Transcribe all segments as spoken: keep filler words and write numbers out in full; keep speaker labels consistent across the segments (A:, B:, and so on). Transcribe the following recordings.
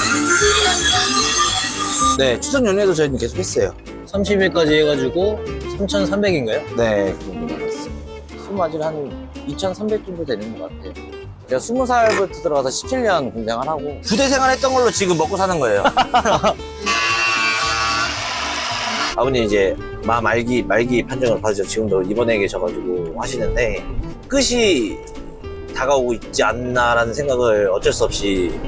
A: 네, 추석 연휴에도 저희는 계속 했어요.
B: 삼십 일까지 해가지고 삼천삼백인가요?
A: 네, 그 정도 나갔어요. 수마질 한 이천삼백 정도 되는 것 같아요. 제가 스무 살부터 들어가서 십칠 년 군생활 하고 부대 생활 했던 걸로 지금 먹고 사는 거예요. 아버님 이제 마 말기 말기 판정을 받으셔 지금도 입원해 계셔가지고 하시는데 끝이 다가오고 있지 않나라는 생각을 어쩔 수 없이.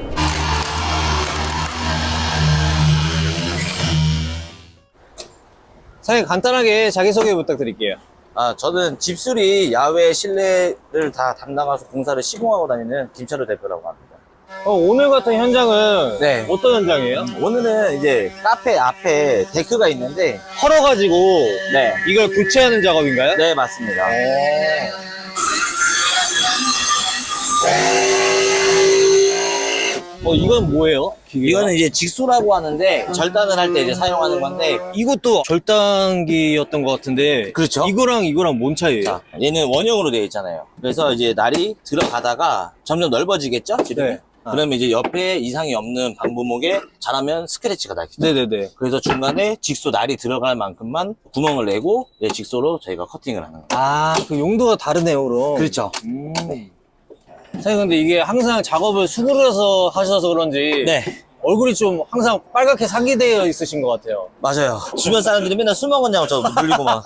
B: 사장님 간단하게 자기소개 부탁드릴게요.
A: 아, 저는 집수리 야외 실내를 다 담당해서 공사를 시공하고 다니는 김철우 대표라고 합니다.
B: 어, 오늘 같은 현장은
A: 네.
B: 어떤 현장이에요?
A: 오늘은 이제 카페 앞에 데크가 있는데
B: 헐어가지고
A: 네,
B: 이걸 교체하는 작업인가요?
A: 네 맞습니다.
B: 어, 이건 뭐예요? 기계가?
A: 이거는 이제 직수라고 하는데 절단을 할 때 이제 사용하는 건데.
B: 이것도 절단기였던 것 같은데
A: 그렇죠.
B: 이거랑 이거랑 뭔 차이예요?
A: 자, 얘는 원형으로 되어 있잖아요. 그래서 이제 날이 들어가다가 점점 넓어지겠죠? 지름이?
B: 네. 아.
A: 그러면 이제 옆에 이상이 없는 방부목에 잘하면 스크래치가 나겠죠.
B: 네네네.
A: 그래서 중간에 직소 날이 들어갈 만큼만 구멍을 내고 네, 직소로 저희가 커팅을 하는 거예요.
B: 아, 그 용도가 다르네요, 그럼.
A: 그렇죠.
B: 음. 사장님, 근데 이게 항상 작업을 수그려서 하셔서 그런지
A: 네,
B: 얼굴이 좀 항상 빨갛게 상기되어 있으신 것 같아요.
A: 맞아요. 주변 사람들이 맨날 술 먹었냐고 저 물리고 막.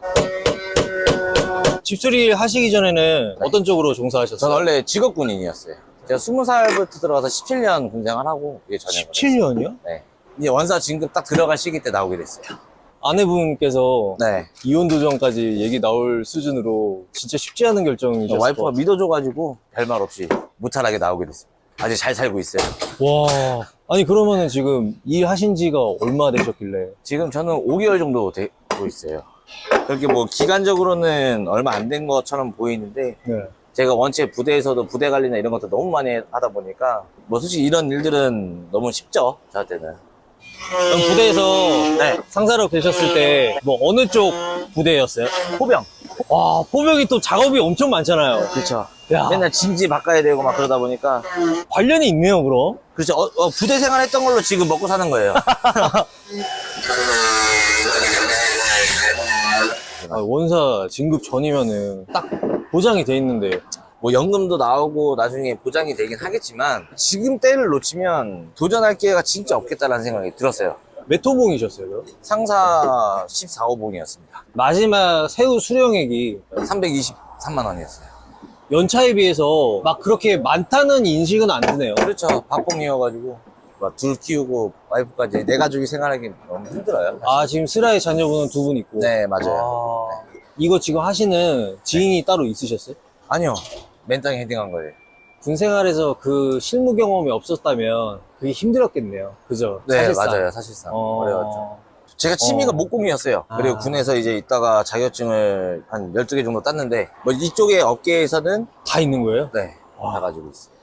B: 집수리 하시기 전에는 어떤 쪽으로 종사하셨어요?
A: 저는 원래 직업 군인이었어요. 제가 스무 살부터 들어가서 십칠 년 군생활 하고 이게 전역을
B: 십칠 년이요?
A: 했어요. 네. 이제 원사 진급 딱 들어갈 시기 때 나오게 됐어요.
B: 아내분께서
A: 네.
B: 이혼 도전까지 얘기 나올 수준으로 진짜 쉽지 않은 결정이셨을 것
A: 와이프가
B: 같아요.
A: 믿어줘가지고 별말 없이 무탈하게 나오게 됐습니다. 아직 잘 살고 있어요.
B: 와, 아니 그러면은 지금 일하신 지가 얼마 되셨길래?
A: 지금 저는 오 개월 정도 되고 있어요. 그렇게 뭐 기간적으로는 얼마 안 된 것처럼 보이는데
B: 네.
A: 제가 원체 부대에서도 부대 관리나 이런 것도 너무 많이 하다 보니까 뭐 솔직히 이런 일들은 너무 쉽죠, 저한테는.
B: 그럼 부대에서
A: 네.
B: 상사로 계셨을 때 뭐 어느 쪽 부대였어요?
A: 포병.
B: 와, 포병이 또 작업이 엄청 많잖아요.
A: 그렇죠.
B: 야,
A: 맨날 진지 바꿔야 되고 막 그러다 보니까.
B: 관련이 있네요, 그럼.
A: 그렇죠. 어, 어, 부대 생활 했던 걸로 지금 먹고 사는 거예요.
B: 아, 원사 진급 전이면은 딱 보장이 돼 있는데.
A: 뭐 연금도 나오고 나중에 보장이 되긴 하겠지만 지금 때를 놓치면 도전할 기회가 진짜 없겠다라는 생각이 들었어요.
B: 몇 호봉이셨어요, 그럼?
A: 상사 십사 호봉이었습니다.
B: 마지막 새우 수령액이
A: 삼백이십삼만 원이었어요.
B: 연차에 비해서 막 그렇게 많다는 인식은 안 드네요.
A: 그렇죠. 밥봉이어가지고 막 둘 키우고 와이프까지 내 가족이 생활하기 너무 힘들어요.
B: 아, 지금 슬라의 자녀분은 두 분 있고.
A: 네, 맞아요.
B: 아, 이거 지금 하시는 지인이 따로 있으셨어요?
A: 아니요. 맨땅에 헤딩한 거예요.
B: 군 생활에서 그 실무 경험이 없었다면 그게 힘들었겠네요. 그죠?
A: 네,
B: 사실상.
A: 맞아요. 사실상.
B: 어...
A: 어려웠죠. 제가 취미가
B: 어.
A: 목공이었어요. 그리고
B: 아.
A: 군에서 이제 있다가 자격증을 한 열두 개 정도 땄는데, 뭐 이쪽에 업계에서는
B: 다 있는 거예요?
A: 네,
B: 와.
A: 다 가지고 있어요.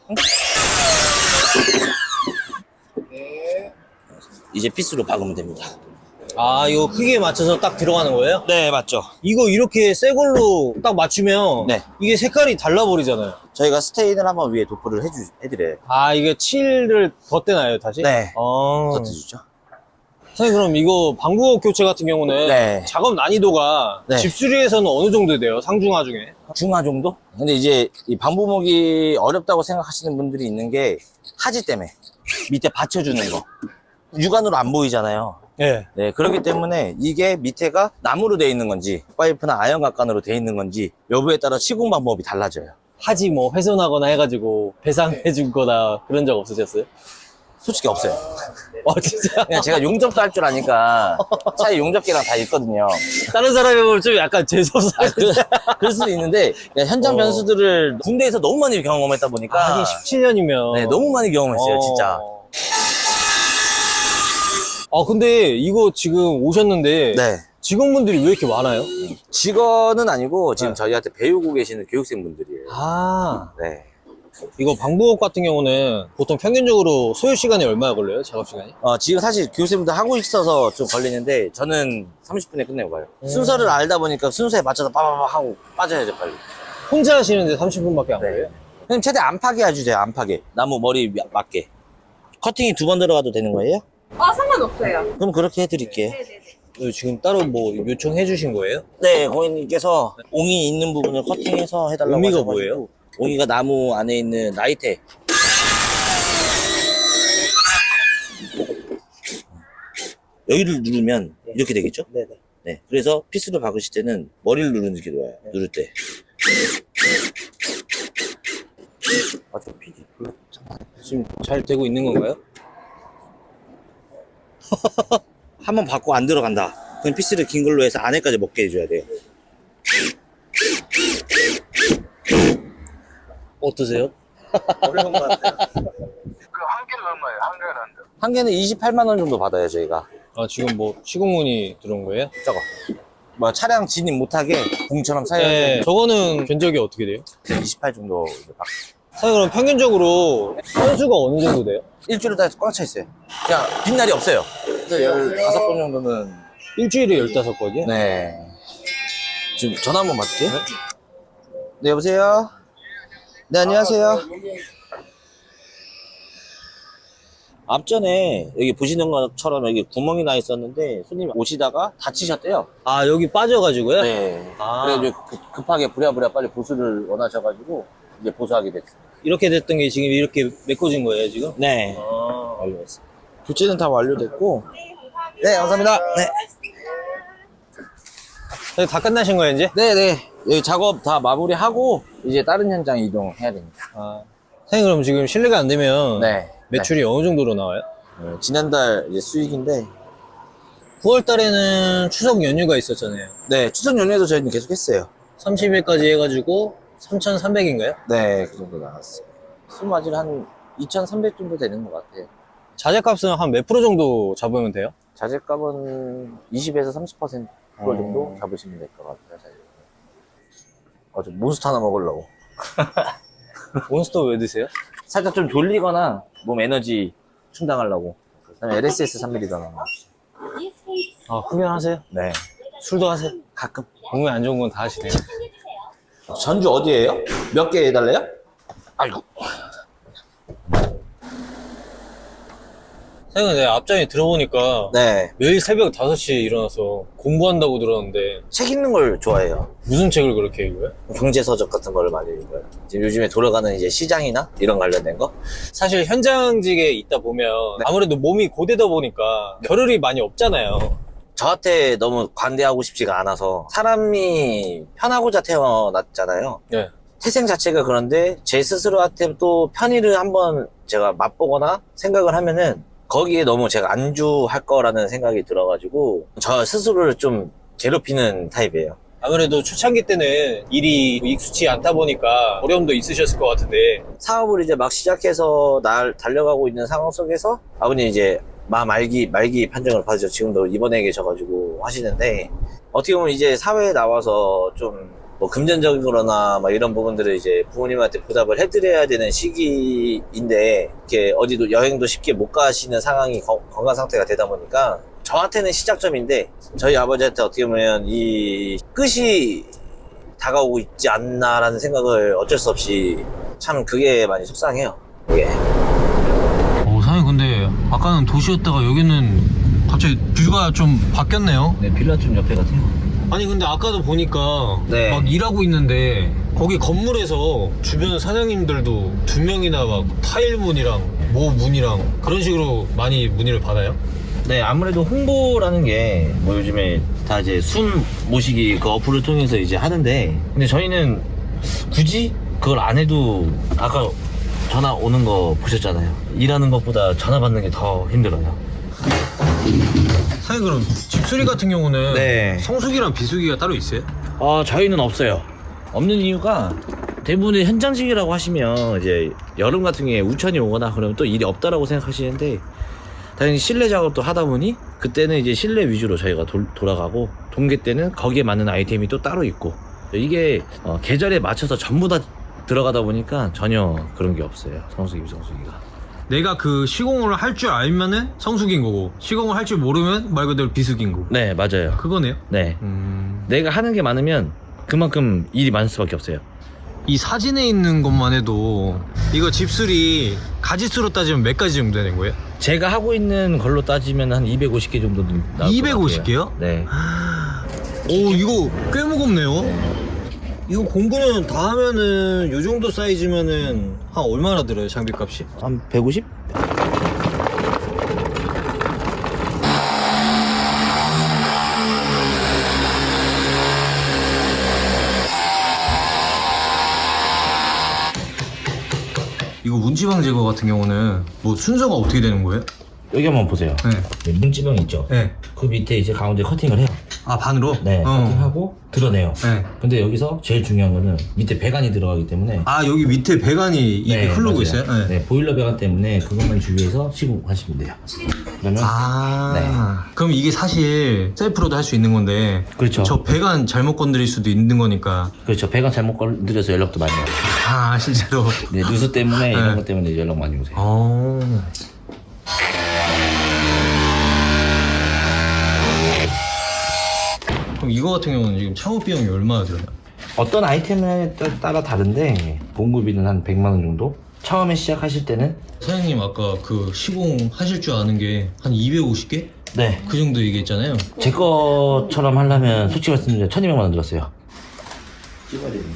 A: 이제 피스로 박으면 됩니다.
B: 아, 이거 크기에 맞춰서 딱 들어가는 거예요?
A: 네, 맞죠.
B: 이거 이렇게 새 걸로 딱 맞추면
A: 네.
B: 이게 색깔이 달라버리잖아요.
A: 저희가 스테인을 한번 위에 도포를 해주, 해드려요.
B: 아, 이게 칠을 덧대나요, 다시?
A: 네.
B: 아.
A: 덧해주죠.
B: 선생님, 그럼 이거 방부호 교체 같은 경우는
A: 네.
B: 작업 난이도가
A: 네.
B: 집수리에서는 어느 정도 돼요? 상중하 중에?
A: 중하 정도? 근데 이제 이 방부목이 어렵다고 생각하시는 분들이 있는 게 하지 때문에 밑에 받쳐주는 거. 육안으로 안 보이잖아요.
B: 네.
A: 네, 그렇기 때문에 이게 밑에가 나무로 되어 있는 건지 파이프나 아연각관으로 되어 있는 건지 여부에 따라 시공 방법이 달라져요.
B: 하지 뭐 훼손하거나 해가지고 배상해 준 거나 그런 적 없으셨어요?
A: 솔직히 없어요.
B: 와, 진짜?
A: 그냥 제가 용접도 할 줄 아니까 차에 용접기랑 다 있거든요.
B: 다른 사람이 보면 좀 약간 재수없어.
A: 아, 그, 그럴 수도 있는데 그냥 현장
B: 어.
A: 변수들을 군대에서 너무 많이 경험했다 보니까
B: 하긴 십칠 년이면.
A: 네, 너무 많이 경험했어요, 진짜.
B: 아, 근데 이거 지금 오셨는데.
A: 네.
B: 직원분들이 왜 이렇게 많아요?
A: 직원은 아니고 지금
B: 네.
A: 저희한테 배우고 계시는 교육생분들이에요.
B: 아,
A: 네.
B: 이거 방부업 같은 경우는 보통 평균적으로 소요 시간이 얼마나 걸려요? 작업 시간이?
A: 어, 지금 사실 교육생분들 하고 있어서 좀 걸리는데 저는 삼십 분에 끝내고 가요.
B: 음.
A: 순서를 알다 보니까 순서에 맞춰서 빠바바 하고 빠져야죠, 빨리.
B: 혼자 하시는데 삼십 분밖에 안
A: 네.
B: 걸려요?
A: 그냥 최대 안 파게 해주세요, 안 파게. 나무 머리 미- 맞게. 커팅이 두 번 들어가도 되는 거예요?
C: 아, 상관없어요.
A: 그럼 그렇게 해드릴게요.
C: 네네네.
B: 이거 지금 따로 뭐 요청해 주신 거예요?
A: 네, 고객님께서 옹이 있는 부분을 커팅해서 해달라고
B: 옹이가
A: 하셔가지고.
B: 뭐예요?
A: 옹이가 나무 안에 있는 나이테. 여기를 누르면 이렇게 되겠죠? 네네. 네. 그래서 피스를 박으실 때는 머리를 누르는 게 좋아요. 네. 누를 때. 아, 저 피디 별로
B: 지금 잘 되고 있는 건가요?
A: 한번 받고 안 들어간다. 그럼 피스를 긴 걸로 해서 안에까지 먹게 해줘야 돼요. 어떠세요? 어려운 것 같아요.
D: 그 한 개는 얼마예요? 한 개는?
A: 한 개는 이십팔만 원 정도 받아요, 저희가.
B: 아, 지금 뭐 시공문이 들어온 거예요?
A: 저거. 뭐 차량 진입 못하게 봉처럼 사야
B: 네,
A: 돼.
B: 저거는 견적이 어떻게 돼요?
A: 이십팔 정도 이제 받
B: 사장님 그럼 평균적으로 건수가 어느 정도 돼요?
A: 일주일에 다 꽉 차 있어요. 그냥 빈날이 없어요. 그래서 열다섯 번 정도는.
B: 일주일에 열다섯 번이요?
A: 네. 지금 전화 한번 받을게요. 네, 여보세요? 네, 안녕하세요. 앞전에 여기 보시는 것처럼 여기 구멍이 나 있었는데 손님이 오시다가 다치셨대요.
B: 아, 여기 빠져가지고요?
A: 네.
B: 아.
A: 그래가지고 급- 급하게 부랴부랴 빨리 보수를 원하셔가지고 이제 보수하게 됐어요.
B: 이렇게 됐던 게 지금 이렇게 메꿔진 거예요, 지금?
A: 네.
B: 아,
A: 완료했어요. 교체는 다 완료됐고. 네, 감사합니다. 네.
B: 사장님 다 끝나신 거예요, 이제?
A: 네네. 여기 작업 다 마무리하고 이제 다른 현장 이동해야 됩니다.
B: 아. 사장님 그럼 지금 실례가 안 되면
A: 네.
B: 매출이 어느 정도로 나와요?
A: 네. 지난달 이제 수익인데,
B: 구월 달에는 추석 연휴가 있었잖아요.
A: 네, 추석 연휴에도 저희는 계속 했어요.
B: 삼십 일까지 해가지고 삼천삼백인가요?
A: 네, 그 정도 나왔어요. 수마질 한 이천삼백 정도 되는 것 같아요.
B: 자재값은 한 몇 프로 정도 잡으면 돼요?
A: 자재값은 이십에서 삼십 퍼센트 정도
B: 어.
A: 잡으시면 될 것 같아요. 자재. 어, 저 몬스터 하나 먹으려고.
B: 몬스터 왜 드세요?
A: 살짝 좀 졸리거나 몸 에너지 충당하려고. 그다음에 엘에스에스 삼 밀리리터 나와.
B: 아, 흡연하세요?
A: 네,
B: 술도 하세요?
A: 가끔.
B: 몸에 안 좋은 건 다 하시네요.
A: 전주 어디예요? 몇 개 해달래요? 아이고.
B: 사장님 내가 앞전에 들어보니까
A: 네,
B: 매일 새벽 다섯 시에 일어나서 공부한다고 들었는데
A: 책 읽는 걸 좋아해요.
B: 무슨 책을 그렇게 읽어요?
A: 경제서적 같은 거를 많이 읽어요. 지금 요즘에 돌아가는 이제 시장이나 이런 관련된 거.
B: 사실 현장직에 있다 보면 아무래도 몸이 고되다 보니까 겨를이 많이 없잖아요.
A: 저한테 너무 관대하고 싶지가 않아서 사람이 편하고자 태어났잖아요.
B: 네.
A: 태생 자체가 그런데 제 스스로한테 또 편의를 한번 제가 맛보거나 생각을 하면은 거기에 너무 제가 안주할 거라는 생각이 들어가지고 저 스스로를 좀 괴롭히는 타입이에요.
B: 아무래도 초창기 때는 일이 익숙치 않다 보니까 어려움도 있으셨을 것 같은데
A: 사업을 이제 막 시작해서 날 달려가고 있는 상황 속에서 아버님 이제 마 말기 말기 판정을 받으셔 지금도 입원해 계셔가지고 하시는데 어떻게 보면 이제 사회에 나와서 좀 뭐 금전적으로나 막 이런 부분들을 이제 부모님한테 보답을 해드려야 되는 시기인데 이렇게 어디도 여행도 쉽게 못 가시는 상황이 거- 건강 상태가 되다 보니까 저한테는 시작점인데 저희 아버지한테 어떻게 보면 이 끝이 다가오고 있지 않나라는 생각을 어쩔 수 없이 참 그게 많이 속상해요. 이게.
B: 어, 사장님 근데 아까는 도시였다가 여기는 갑자기 뷰가 좀 바뀌었네요.
A: 네, 빌라촌 옆에 같아요.
B: 아니 근데 아까도 보니까
A: 네.
B: 막 일하고 있는데 거기 건물에서 주변 사장님들도 두 명이나 막 타일 문이랑 모 문이랑 그런 식으로 많이 문의를 받아요?
A: 네, 아무래도 홍보라는 게 뭐 요즘에 다 이제 순 모시기 그 어플을 통해서 이제 하는데 근데 저희는 굳이 그걸 안 해도 아까 전화 오는 거 보셨잖아요. 일하는 것보다 전화 받는 게 더 힘들어요.
B: 사장님 그럼 집수리 같은 경우는
A: 네.
B: 성수기랑 비수기가 따로 있어요?
A: 아, 저희는 없어요. 없는 이유가 대부분의 현장직이라고 하시면 이제 여름 같은 경우에 우천이 오거나 그러면 또 일이 없다라고 생각하시는데 당연히 실내 작업도 하다 보니 그때는 이제 실내 위주로 저희가 돌, 돌아가고 동계 때는 거기에 맞는 아이템이 또 따로 있고 이게 어, 계절에 맞춰서 전부 다 들어가다 보니까 전혀 그런 게 없어요. 성수기, 비성수기가.
B: 내가 그 시공을 할 줄 알면은 성수기인 거고 시공을 할 줄 모르면 말 그대로 비수기인 거고
A: 네, 맞아요.
B: 그거네요?
A: 네.
B: 음...
A: 내가 하는 게 많으면 그만큼 일이 많을 수밖에 없어요.
B: 이 사진에 있는 것만 해도 이거 집수리 가지수로 따지면 몇 가지 정도 되는 거예요?
A: 제가 하고 있는 걸로 따지면 한 이백오십 개 정도 나올 것 같아요.
B: 이백오십 개요?
A: 네.
B: 오, 이거 꽤 무겁네요. 이거 공구는 다 하면은 요 정도 사이즈면은 한 얼마나 들어요, 장비값이?
A: 한 백오십?
B: 이거 문지방 제거 같은 경우는 뭐 순서가 어떻게 되는 거예요?
A: 여기 한번 보세요.
B: 네.
A: 네, 문지방 있죠?
B: 네.
A: 그 밑에 이제 가운데 커팅을 해요.
B: 아, 반으로?
A: 네,
B: 어.
A: 커팅하고 드러내요.
B: 네.
A: 근데 여기서 제일 중요한 거는 밑에 배관이 들어가기 때문에
B: 아, 여기 밑에 배관이 이게 흐르고
A: 맞아요.
B: 있어요? 네.
A: 네, 보일러 배관 때문에 그것만 주의해서 시공하시면 돼요. 그러면
B: 아,
A: 네.
B: 그럼 이게 사실 셀프로도 할 수 있는 건데
A: 그렇죠.
B: 저 배관 잘못 건드릴 수도 있는 거니까.
A: 그렇죠. 배관 잘못 건드려서 연락도 많이 와요.
B: 아, 실제로.
A: 네, 누수 때문에
B: 네.
A: 이런 것 때문에 연락 많이 오세요.
B: 어. 그럼 이거 같은 경우는 지금 창업 비용이 얼마나 들어요?
A: 어떤 아이템에 따- 따라 다른데 공급비는 한 백만 원 정도? 처음에 시작하실 때는
B: 사장님 아까 그 시공하실 줄 아는 게 한 이백오십 개?
A: 네,
B: 그 정도 얘기했잖아요.
A: 제 것처럼 하려면 솔직히 말씀드리면 천이백만 원 들었어요. 찍어야 되네.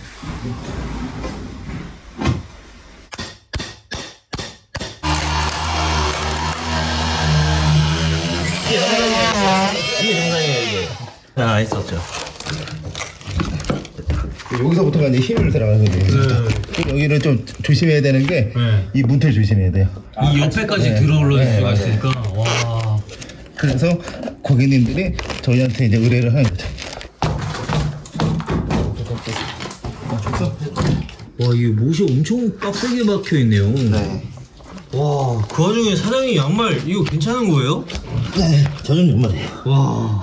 A: 이게 정상이에요. 이게 정상이에요, 이게. 아, 있었죠.
C: 여기서부터가 이제 힘을 들어가는 거예요. 여기를 좀 조심해야 되는 게 이
B: 네.
C: 문틀 조심해야 돼요.
B: 이 옆에까지
C: 네.
B: 들어올릴
C: 네,
B: 수가
C: 맞아요.
B: 있으니까. 와.
C: 그래서 고객님들이 저희한테 이제 의뢰를 하는 거죠.
B: 와, 이게 못이 엄청 빡세게 박혀 있네요.
C: 네.
B: 와, 그 와중에 사장님 양말 이거 괜찮은 거예요?
C: 네, 저는 정말이에요.
B: 와.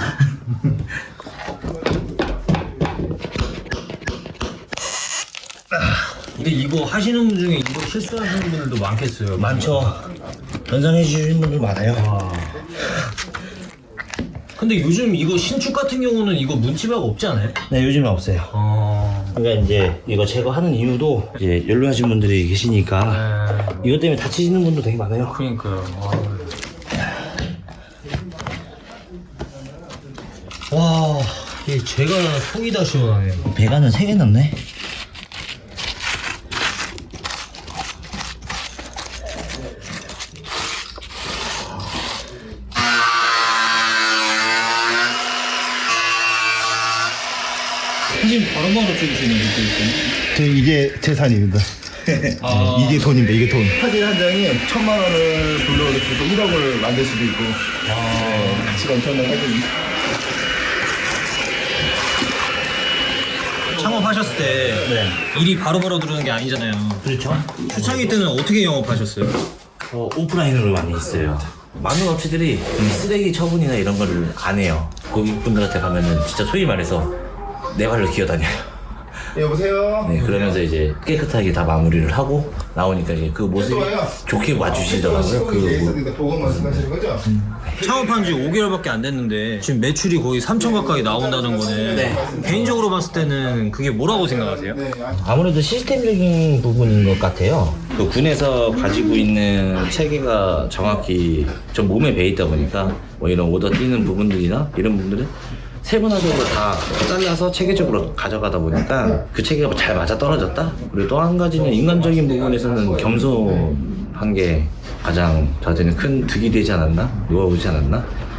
B: 근데 이거 하시는 분 중에 이거 실수하시는 분들도 많겠어요.
A: 많죠. 연상해 주시는 분들 많아요.
B: 와. 근데 요즘 이거 신축 같은 경우는 이거 문치박 없지 않아요?
A: 네, 요즘은 없어요.
B: 아.
A: 그러니까 이제 이거 제거하는 이유도 이제 연로하신 분들이 계시니까
B: 네.
A: 이것 때문에 다치시는 분도 되게 많아요.
B: 그러니까요. 와. 와, 이게 제가 속이 다 시원하네요.
A: 배관은 세 개 넣네.
B: 사진 바로바로 찍으시는 느낌이거든요.
C: 저 이게 재산입니다.
B: 아.
C: 이게 돈입니다. 이게 돈. 사진 한 장에 천만 원을 불러오셔도 일억을 만들 수도 있고. 네, 가치가 엄청난 사진입니다.
B: 창업하셨을 때 일이 바로바로 들어오는 게 아니잖아요.
A: 그렇죠.
B: 초창기 때는 어떻게 영업하셨어요?
A: 어, 오프라인으로 많이 있어요. 많은 업체들이 이 쓰레기 처분이나 이런 거를 안 해요. 고객분들한테 가면은 진짜 소위 말해서 내 발로 기어다녀요.
C: 여보세요?
A: 네, 그러면서 이제 깨끗하게 다 마무리를 하고 나오니까 이제 그 모습이 좋게 와주시더라고요. 그 뭐,
C: 보고 말씀하시는 거죠?
B: 창업한 지 오 개월밖에 안 됐는데 지금 매출이 거의 삼천 가까이 나온다는 거는
A: 네.
B: 개인적으로 봤을 때는 그게 뭐라고 생각하세요?
A: 아무래도 시스템적인 부분인 것 같아요. 그 군에서 가지고 있는 체계가 정확히 좀 몸에 배 있다 보니까 뭐 이런 오더 뛰는 부분들이나 이런 부분들은 세분화적으로 다 잘라서 체계적으로 가져가다 보니까 그 체계가 잘 맞아 떨어졌다. 그리고 또 한 가지는 인간적인 부분에서는 겸손한 게 가장 저한테는 큰 득이 되지 않았나? 놓아오지 않았나?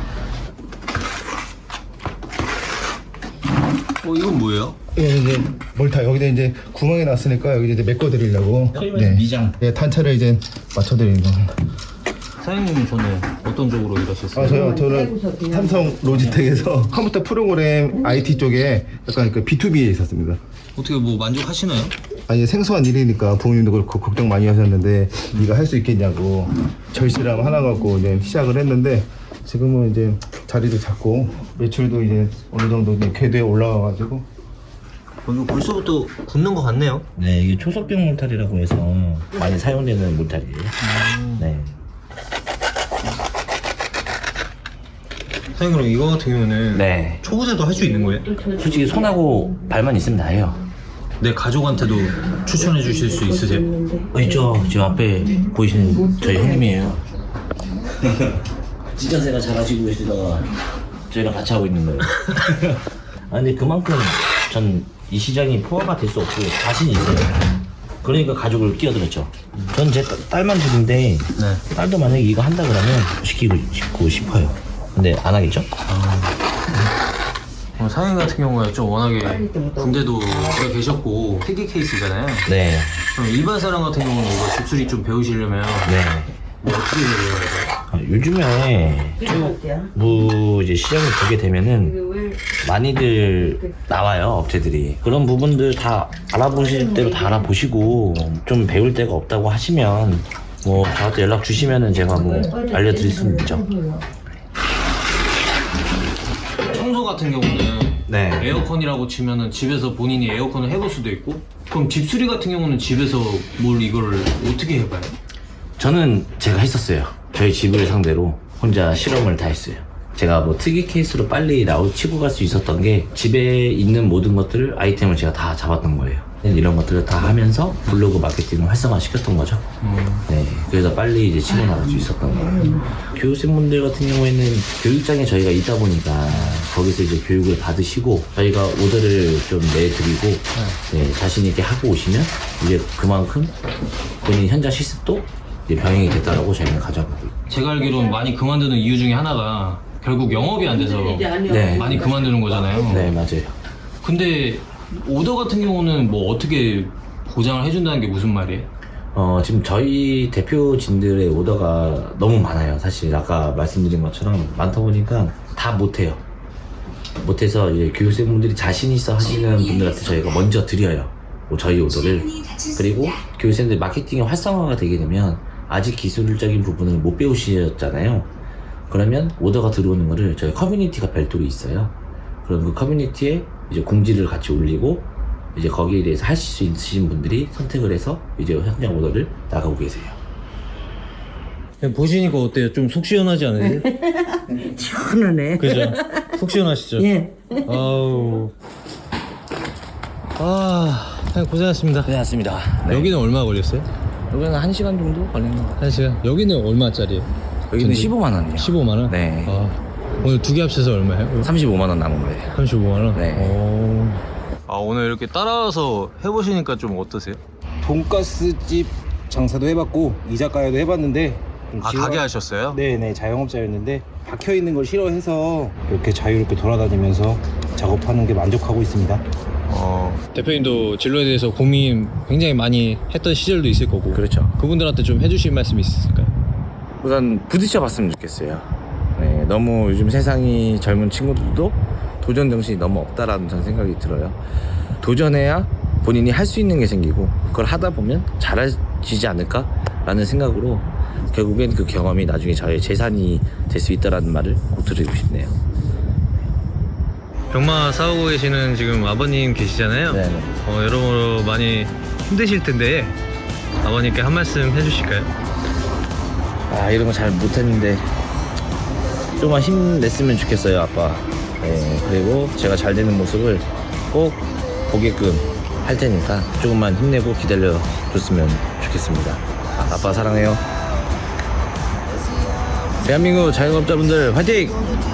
B: 어, 이건 뭐예요?
C: 예, 이제 몰타 여기다 이제 구멍이 났으니까 여기 이제 메꿔드리려고.
A: 미장.
C: 네, 탄차를 이제 맞춰드리는 겁니다.
B: 사장님은 전에 어떤 쪽으로 일하셨어요?
C: 아, 저요? 저는 삼성 로지텍에서 컴퓨터 프로그램 아이티 쪽에 약간 그 비투비에 있었습니다.
B: 어떻게 뭐 만족하시나요?
C: 아니, 생소한 일이니까 부모님도 그렇고 걱정 많이 하셨는데 네가 할 수 있겠냐고 절실함 하나 갖고 이제 시작을 했는데 지금은 이제 자리도 잡고 매출도 이제 어느 정도 이제 궤도에 올라와가지고
B: 어, 이거 벌써부터 굳는 것 같네요.
A: 네, 이게 초석병 몰탈이라고 해서 많이 사용되는 몰탈이에요. 네.
B: 사장님 그럼 이거 같은 경우는
A: 네.
B: 초보자도 할 수 있는 거예요?
A: 솔직히 손하고 발만 있으면 다 해요.
B: 내 가족한테도 추천해 주실 수 있으세요?
A: 어, 있죠. 지금 앞에 보이시는 저희 형님이에요. 찌전새가 잘하시고 계시다가 저희랑 같이 하고 있는 거예요. 아, 근데 그만큼 전 이 시장이 포화가 될 수 없고 자신이 있어요. 그러니까 가족을 끼어들었죠. 전 제 딸만 둘인데
B: 네.
A: 딸도 만약에 이거 한다 그러면 시키고 싶고 싶어요. 근데 안 하겠죠?
B: 어, 사장님 같은 경우에 좀 워낙에 군대도 오래 계셨고 특이 케이스잖아요.
A: 네.
B: 그럼 일반 사람 같은 경우는 이거 집수리 좀 배우시려면
A: 네.
B: 뭐 어떻게 배워야 돼요?
A: 아, 요즘에 뭐 이제 시장을 보게 되면은 많이들 나와요, 업체들이. 그런 부분들 다 알아보실 대로 다 알아보시고 좀 배울 데가 없다고 하시면 뭐 저한테 연락 주시면은 제가 뭐 알려드릴 수는 있죠.
B: 청소 같은 경우는
A: 네.
B: 에어컨이라고 치면은 집에서 본인이 에어컨을 해볼 수도 있고, 그럼 집수리 같은 경우는 집에서 뭘 이걸 어떻게 해봐요?
A: 저는 제가 했었어요. 저희 집을 상대로 혼자 실험을 다 했어요. 제가 뭐 특이 케이스로 빨리 나오 치고 갈 수 있었던 게 집에 있는 모든 것들을 아이템을 제가 다 잡았던 거예요. 이런 것들을 다 하면서 블로그 마케팅을 활성화 시켰던 거죠.
B: 음.
A: 네, 그래서 빨리 이제 치고 나갈 수 있었던 거예요. 교육생분들 같은 경우에는 교육장에 저희가 있다 보니까 거기서 이제 교육을 받으시고 저희가 오더를 좀 내드리고 네, 자신 있게 하고 오시면 이제 그만큼 본인 현장 실습도 이제 병행이 됐다라고 저희는 가져가고 있어요.
B: 제가 알기로는 많이 그만두는 이유 중에 하나가 결국 영업이 안 돼서
A: 네.
B: 많이 그만두는 거잖아요.
A: 네, 맞아요.
B: 근데 오더 같은 경우는 뭐 어떻게 보장을 해준다는 게 무슨 말이에요?
A: 어, 지금 저희 대표진들의 오더가 너무 많아요. 사실 아까 말씀드린 것처럼 많다 보니까 다 못해요. 못해서 이제 교육생분들이 자신 있어 하시는 분들한테 저희가 먼저 드려요. 뭐 저희 오더를. 그리고 교육생들 마케팅이 활성화가 되게 되면 아직 기술적인 부분을 못 배우셨잖아요. 그러면 오더가 들어오는 거를 저희 커뮤니티가 별도로 있어요. 그럼 그 커뮤니티에 이제 공지를 같이 올리고 이제 거기에 대해서 하실 수 있으신 분들이 선택을 해서 이제 현장 오더를 나가고 계세요.
B: 보시니까 어때요? 좀 속 시원하지 않으세요?
E: 시원하네.
B: 그죠? 속 시원하시죠?
E: 예.
B: 아우. 아, 사장님 고생하셨습니다.
A: 고생하셨습니다. 네.
B: 여기는 얼마 걸렸어요?
A: 여기는 한 시간 정도 걸리는 것 같아요.
B: 한 시간? 여기는 얼마짜리예요?
A: 여기는
B: 전체?
A: 십오만 원이요.
B: 십오만 원?
A: 네.
B: 아, 오늘 두 개 합쳐서 얼마예요?
A: 삼십오만 원 남은 거예요.
B: 삼십오만 원?
A: 네.
B: 오. 아, 오늘 이렇게 따라와서 해보시니까 좀 어떠세요?
C: 돈가스집 장사도 해봤고 이자카야도 해봤는데 좀
B: 아,
C: 지루하-
B: 가게 하셨어요?
C: 네네, 자영업자였는데 박혀있는 걸 싫어해서 이렇게 자유롭게 돌아다니면서 작업하는 게 만족하고 있습니다.
B: 어. 대표님도 진로에 대해서 고민 굉장히 많이 했던 시절도 있을 거고.
A: 그렇죠.
B: 그분들한테 좀 해주실 말씀이 있으실까요?
A: 우선 부딪혀 봤으면 좋겠어요. 네, 너무 요즘 세상이 젊은 친구들도 도전 정신이 너무 없다라는 저는 생각이 들어요. 도전해야 본인이 할 수 있는 게 생기고 그걸 하다 보면 잘해지지 않을까라는 생각으로 결국엔 그 경험이 나중에 저의 재산이 될 수 있다라는 말을 꼭 드리고 싶네요.
B: 병마 싸우고 계시는 지금 아버님 계시잖아요.
A: 네.
B: 어, 여러모로 많이 힘드실 텐데 아버님께 한 말씀 해주실까요?
A: 아, 이런 거 잘 못했는데 조금만 힘냈으면 좋겠어요, 아빠. 네, 그리고 제가 잘 되는 모습을 꼭 보게끔 할 테니까 조금만 힘내고 기다려 줬으면 좋겠습니다. 아빠 사랑해요. 대한민국 자영업자분들 화이팅!